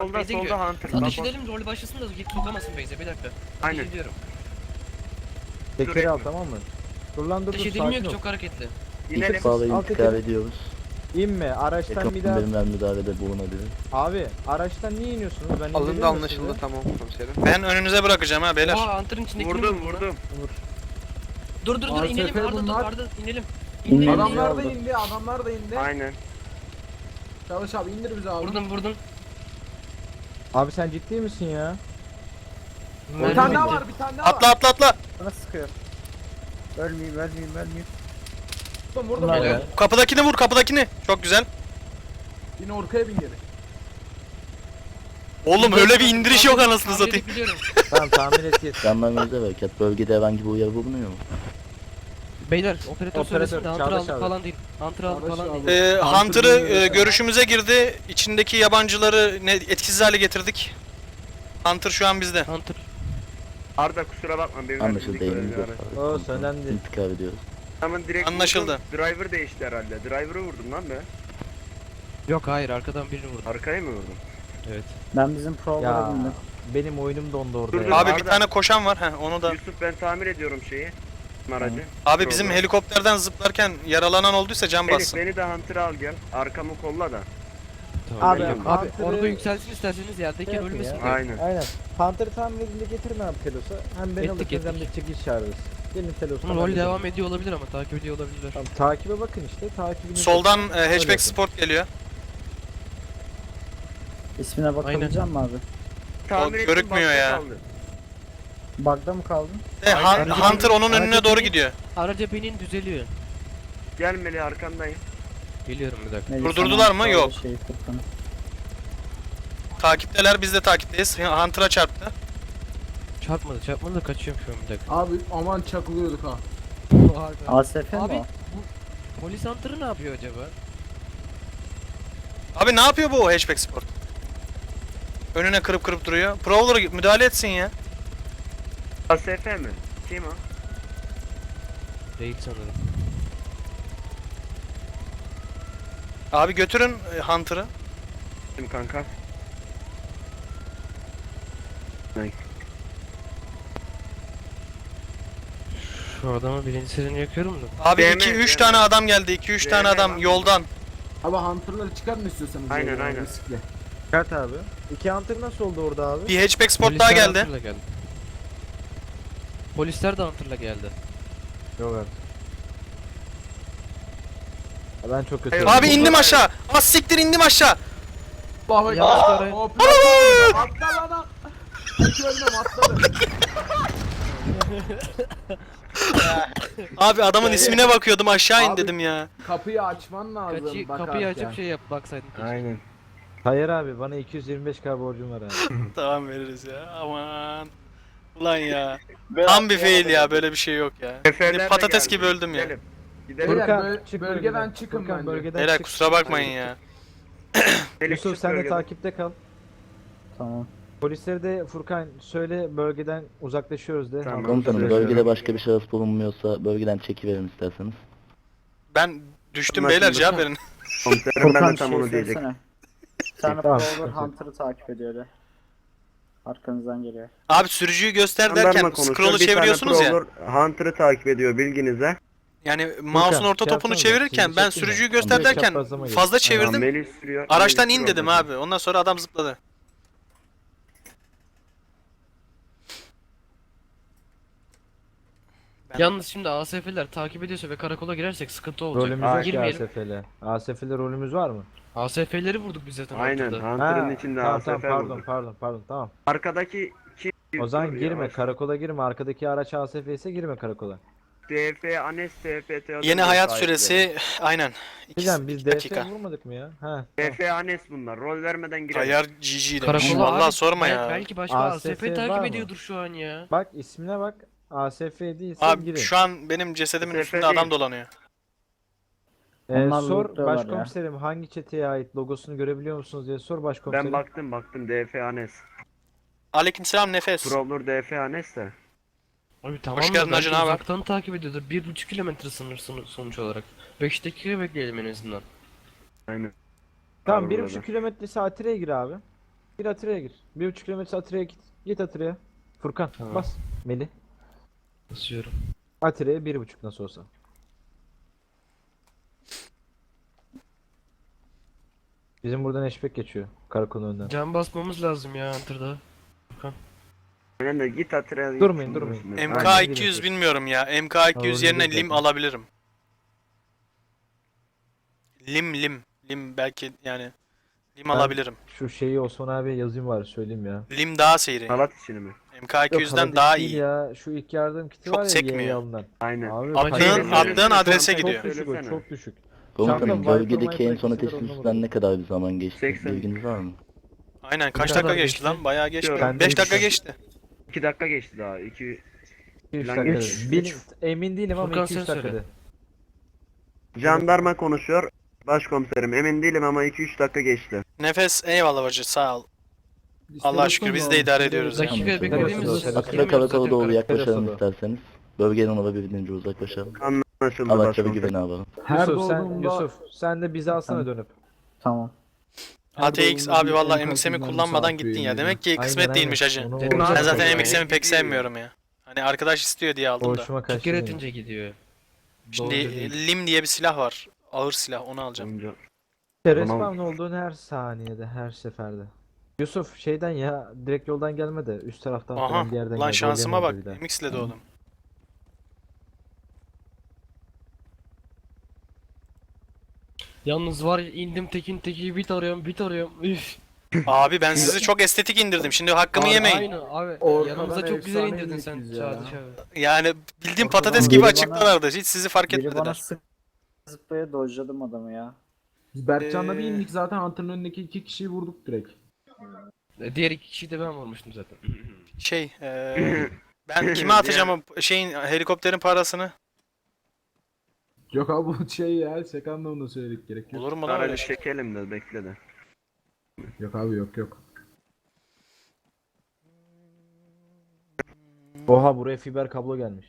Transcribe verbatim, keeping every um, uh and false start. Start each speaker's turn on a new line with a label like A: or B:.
A: solda
B: base'e
A: solda
B: gidiyor.
A: Hunter. Bak,
B: Ateş
A: bak.
B: edelim rol başlasın da git sokamasın base'e bir dakika.
A: Aynen.
B: Ateş ediyorum.
C: Tekeri al
A: Sürekli.
C: tamam mı? Dur lan dur
B: Ateş
C: dur
B: edilmiyor
C: sakin
B: ki
C: ol.
B: çok hareketli.
A: İnelim.
C: Alt
D: Sağda
C: tekeri-
D: intikal ediyoruz.
C: İnme araçtan bir daha.
D: Helikopterin müdahalede bulunabilir.
C: Abi araçtan niye iniyorsunuz? Ben
E: Alındı
C: indiriyorum
E: anlaşıldı
C: sizi.
E: tamam komiserim.
F: Ben önünüze bırakacağım ha beyler.
B: Oha Hunter'ın içindeki
A: Vurdum vurdum.
C: Vur.
B: Dur dur dur
G: A S F
B: inelim Arda dur
G: bunlar.
B: Arda inelim.
D: İnmeyin.
B: İnelim.
G: Adamlar da
D: aldım.
G: indi, adamlar da indi.
A: Aynen.
G: Çalış abi indir bizi abi.
B: Vurdum vurdum.
C: Abi sen ciddi misin ya?
G: Bir
B: Mermi
G: tane daha
B: bitti.
G: var, bir tane daha
F: Atla
G: var.
F: atla atla.
C: Bana sıkıyor. Ölmeyeyim ölmeyeyim ölmeyeyim.
G: Vurdum vurdum.
C: Bunlar
G: Vurdum.
C: ya.
F: Kapıdakini vur kapıdakini. Çok güzel.
G: Yine orkaya bin geri.
F: Oğlum öyle bir indiriş yok anasını
B: Tahmin
F: satayım.
B: edebiliyorum.
C: Tamam tahmin et git.
D: Jandarmanıza harekat. Bölgede herhangi bir uyarı bulunuyor mu?
B: Beyler operatör
C: Operatör,
B: söylesin de Hunter
C: Çağdaş
B: aldık
C: abi.
B: falan değil. Hunter aldık
G: Çağdaş
B: falan
G: abi.
B: değil.
F: Ee,
G: Hunter
F: Hunter'ı
G: bilmiyor
F: e,
G: sen.
F: görüşümüze girdi. İçindeki yabancıları ne etkisiz hale getirdik. Hunter şu an bizde.
B: Hunter.
A: Arda kusura bakma benim
D: Anlaşıldı
A: verdiğim
D: elinize
A: görevleri.
D: sağlık.
C: O
D: komutanım.
C: söylendi.
D: İntikal ediyoruz.
A: Tamam direkt
F: Anlaşıldı.
A: vurdum. Driver değişti herhalde. Driver'ı vurdum lan be.
B: Yok hayır arkadan birini vurdum.
A: Arkaya mı vurdum?
B: Evet.
H: Ben bizim provalara
C: Ya
H: bindim.
C: benim oyunum dondu orada
A: Dur, dur.
C: ya.
F: Abi bir
A: Arda.
F: tane koşan var. Heh, onu da.
A: Yusuf ben tamir ediyorum şeyi. Aracı.
F: Abi bizim
A: Program.
F: helikopterden zıplarken yaralanan olduysa can
A: Elif
F: bassın.
A: beni de Hunter'a al gel. Arkamı kolla da.
C: Abi,
B: Abi, abi
C: Hunter'ı
B: orada yükselsin isterseniz
C: şey
B: yerdeyken
C: yapın
B: ölmesin
C: ya.
B: diye.
A: Aynen.
C: Aynen. Panther'ı tamir edince getirin abi Telos'a. Hem beni
B: Ettik,
C: alırsınız hem de
B: ettik.
C: çekiş çağırırız. Gelin Telos'a.
B: Ama rol devam ediyor olabilir ama takip ediyor olabilirler.
C: Tamam, takibe bakın işte. Takibini
F: Soldan e,
C: Öyle
F: hatchback
C: yapın.
F: sport geliyor.
H: İsmine bakabilecek misin abi?
A: Tamir ettim,
F: görükmüyor
A: bakta
F: ya.
A: kaldı.
H: Bug'da mı kaldın?
F: E,
B: Aynen.
F: Han- Hunter onun önüne
B: Hareket
F: doğru
B: edin.
F: gidiyor.
B: Araca binin düzeliyor.
A: Gel Melih arkandayım.
B: Geliyorum bir dakika.
H: Melih,
F: Durdurdular
H: sana
F: mı?
H: şöyle
F: Yok.
H: Şey, Furkan'ı.
F: Takipteler, biz de takipteyiz. Hunter'a çarptı.
B: Çarpmadı çarpmadı da kaçıyorum şu an bir dakika.
G: Abi aman çakılıyorduk ha.
H: A S F mi
B: Abi
H: o?
B: bu polis Hunter'ı ne yapıyor acaba?
F: Abi ne yapıyor bu hatchback sport? Önüne kırıp kırıp duruyor. Prowler müdahale etsin ya.
A: A S F mi? Kim o?
B: Değil sanırım.
F: Abi götürün e, Hunter'ı.
A: Kim kanka?
B: Şu adamın birincisini yakıyorum da.
F: Abi
A: D M,
F: iki üç
A: D M.
F: tane adam geldi. iki üç
A: D M
F: tane adam
A: lan.
F: yoldan.
G: Abi Hunter'ları çıkartın istiyorsanız.
A: Aynen,
G: yani,
A: aynen.
G: riskli.
C: Çıkart abi. İki Hunter nasıl oldu orada abi?
F: Bir hatchback sport
B: Polisler
F: daha geldi.
B: Hunter'la geldi. Polisler de Hunter'la geldi.
C: Yok artık. Ya Ben çok kötü.
A: Hayır,
C: oldum.
F: Abi indim aşağı. Az siktir indim aşağı.
G: Allah'a
B: Yanlış
G: ekber.
B: arayın.
G: Hop, atla lan. Hiç ölmem atladı.
F: Abi adamın ismine bakıyordum aşağı in
G: Abi-
F: dedim ya.
G: Kapıyı açman lazım.
B: Kaçı,
G: bakarken.
B: kapıyı açıp şey yap baksaydın. keşke.
A: Aynen.
C: Hayır abi bana iki yüz yirmi beş K borcum var abi.
F: Tamam veririz ya. Aman. Ulan ya. Tam bir fail ya, böyle bir şey yok ya.
A: Seferler de
F: Patates
A: geldi.
F: gibi öldüm ya.
A: Gidelim. Gidelim.
G: Beyler,
C: Furkan,
G: böl-
C: çık
G: bölgeden
C: bölgeden.
G: çıkın
C: Furkan,
G: bence.
C: bölgeden
F: Beyler
C: çık.
F: kusura bakmayın ya.
A: Melih,
C: Yusuf
A: çık
C: sen de
A: bölgeden.
C: takipte kal.
H: Tamam.
C: Polisleri de Furkan söyle bölgeden uzaklaşıyoruz de.
A: Tamam.
D: Komutanım
A: Anlaşıldı.
D: bölgede başka bir şahıs bulunmuyorsa bölgeden çekiverin isterseniz.
F: Ben düştüm
A: Anlaşıldı.
F: beyler, cevap verin.
A: Komiserim ben
H: Furkan
A: de tam
H: şey
A: onu diyecektim.
H: söylesene. Bir tane
C: Tamam.
H: Prowler Hunter'ı takip ediyor öyle. Arkanızdan geliyor.
F: Abi sürücüyü göster
A: Jandarma
F: derken
A: konuşuyor,
F: scroll'u
A: bir tane
F: çeviriyorsunuz ya.
A: Prowler Hunter'ı takip ediyor bilginize.
F: Yani mouse'un orta
C: şey
F: topunu
C: yapsanıza,
F: çevirirken
C: sizi
F: ben
C: çekeyim mi?
F: sürücüyü göster
C: Tamam,
F: derken
C: çaprazlama gelin.
F: fazla
A: Tamam,
F: çevirdim.
A: Melih sürüyor.
F: Araçtan
A: Melih
F: in
A: sürüyor
F: dedim
A: bakayım.
F: abi. Ondan sonra adam zıpladı. Ben-
B: Yalnız şimdi A S F'ler takip ediyorsa ve karakola girersek sıkıntı olacak.
C: Rolümüz yok ki
B: Girmeyelim.
C: A S F'le. A S F'le rolümüz var mı?
B: A S F'leri vurduk biz zaten
A: Aynen.
B: Hunter'da.
A: Hunter'ın
C: Ha,
A: içinde
C: tamam,
A: A S
C: tamam,
A: F
C: pardon
A: vurdu.
C: pardon pardon tamam.
A: Arkadaki kim?
C: O zaman
A: Dur,
C: girme
A: yavaş.
C: karakola girme. Arkadaki araç A S F ise girme karakola.
A: D F, Anes, T F T.
F: Yeni hayat süresi aynen. İki,
C: Güzel biz
F: iki
C: D F
F: dakika.
C: vurmadık mı ya? Ha.
A: D F, Anes bunlar. Rol vermeden girelim.
F: Ayar G G demiş.
B: Karakola
F: Vallahi
B: abi,
F: sorma
B: bel-
F: ya.
B: Belki başka
C: A
B: A
C: S
B: S
C: F
B: F
C: var
B: takip
C: mı?
B: ediyordur şu an ya.
C: Bak ismine bak. A S F değilse
F: Abi
C: girin.
F: şu an benim cesedimin
A: Sefer
F: üstünde
A: değil.
F: adam dolanıyor.
C: Ee,
H: Onlar
C: sor
H: lootluyorlar ya.
C: başkomiserim hangi çeteye ait logosunu görebiliyor musunuz diye sor başkomiserim.
A: Ben baktım baktım D F, Anes.
F: Aleykümselam Nefes.
A: Prowler D F, Anes de.
B: Abi tamam
F: Hoş
B: da
F: geldin
B: belki
F: hacı, ne haber?
B: uzaktan takip ediyordur. Bir buçuk kilometre sınır sonu- sonuç olarak. Beş dakika bekleyelim en azından.
A: Aynen.
C: Tamam
A: Var
C: bir
A: burada.
C: buçuk kilometre saatire gir abi. Gir Atire'ye gir. Bir buçuk kilometre Atire'ye git. Git Atire'ye. Furkan
B: Tamam.
C: bas. Melih.
B: Basıyorum.
C: Atire'ye bir buçuk nasıl olsa. Bizim buradan eşbek geçiyor. Karakolun önünden.
B: Can basmamız lazım ya Hunter'da.
A: Aynen de git Atre'ye.
C: Durmayın, durmayın.
F: M K
C: Aynen.
F: iki yüz bilmiyorum ya. M K iki yüz
C: Tamam,
F: yerine
C: dur
F: lim
C: zaten.
F: alabilirim. Lim lim. Lim belki yani. Lim
C: Ben-
F: alabilirim.
C: Şu şeyi Osman abi yazayım var söyleyeyim ya.
F: Lim daha seyri.
A: Salat işini mi?
F: M K iki yüzden
C: Yok,
F: daha
C: değil
F: iyi.
C: ya. Şu ilk yardım kiti
F: Çok
C: var ya
F: sekmiyor.
C: Y'ye alınan.
A: Aynen.
C: Abi,
F: Attığın-
C: kaç-
F: attığın adrese
C: çok,
F: gidiyor.
C: Çok düşük o,
A: Söylesene.
C: çok düşük.
D: Komutanım
C: Çanta
D: bölgedeki en
C: Viper
D: son
C: Mike'la
D: ateş
C: ikisi de
D: üstünden ne kadar bir zaman geçti?
A: seksen.
D: Bilginiz var mı?
F: Aynen kaç
B: Ne
F: dakika
B: kadar
F: geçti
B: geçti?
F: lan? Bayağı geçmiyor.
A: Ben
F: beş
C: de
F: dakika
C: geçiyorum.
F: geçti.
A: iki dakika geçti daha. iki
C: üç
A: Lan
C: dakika.
A: üç,
C: Bil- emin değilim ama
B: Furkan
C: iki üç
B: sen
C: dakikada.
B: söyle.
A: Jandarma konuşuyor. Başkomiserim emin değilim ama iki üç dakika geçti.
F: Nefes eyvallah bacı sağ ol. Allah şükür biz de idare ediyoruz ya.
B: Dakika
D: Anlaşıldı.
B: beklediğimiz
C: Anlaşıldı.
B: için
D: Atilla
B: girmiyoruz
D: karakola
B: zaten
D: doğru
B: karakola.
D: yaklaşalım
C: Terasa
D: isterseniz. Bölgeden olabildiğince uzaklaşalım.
A: Anlaşıldı
D: Araçlara
A: başkomiserim.
D: güveni alalım.
G: Her
C: Yusuf sen
G: doğduğumda-
C: Yusuf sen de bizi alsana dönüp.
H: Tamam.
F: A T X
G: Her
F: abi
G: doğduğumda
F: vallahi
G: bir
F: M X M'i
G: enkazından
F: kullanmadan
G: misafir
F: gittin ya.
G: üyeliği.
F: Demek ki kısmet
C: Aynen,
F: değilmiş
C: aynen.
F: hacı.
C: Onu-
B: Dedim
C: onu
B: zaten
F: Ben zaten
B: ya.
F: M X M'i pek sevmiyorum ya. Hani arkadaş istiyor diye aldım da.
C: Boşuma
B: Çık
C: kaçtı.
B: geri
C: benim.
B: atınca gidiyor.
F: Şimdi
B: Doğru değil.
F: Lim diye bir silah var. Ağır silah onu alacağım.
A: Amca.
C: İşte
A: Tamam.
C: respawn olduğun her saniyede, her seferde. Yusuf şeyden ya direkt yoldan gelme de üst taraftan
F: Aha
C: falan bir yerden
F: lan
C: gel.
F: şansıma
C: Bölgenin
F: bak.
C: olduğu bir de.
F: M X ile doğdum.
B: Yalnız var ya, indim tekin teki bit arıyorum bit arıyorum. Üf.
F: Abi ben sizi çok estetik indirdim. Şimdi hakkımı
B: Abi,
F: yemeyin.
B: Aynen abi.
G: Ortadan
B: Yanımıza çok güzel
G: efsane
B: indirdin sen
G: indik biz ya.
B: Çağdaş abi.
F: Yani bildiğim
H: Ortadan
F: patates
H: biri
F: gibi
H: bana-
F: açıklarlardı. Hiç sizi fark
H: Biri bana
F: etmediler.
H: sık zıplaya dojladım adamı ya.
G: Biz Berkcan'la bir
F: Ee,
G: indik zaten antrenörün önündeki iki kişiyi vurduk direkt.
B: E, Diğer iki kişiyi de ben vurmuştum zaten.
F: Şey, eee ben kime atacağım o şeyin helikopterin parasını?
G: Yok abi bu şey ya şaka anlamında söyledik gerek yok.
F: Olur mu lan öyle
A: Aracı
F: şey?
A: çekelim de bekle de.
G: Yok abi yok yok.
C: Oha buraya fiber kablo gelmiş.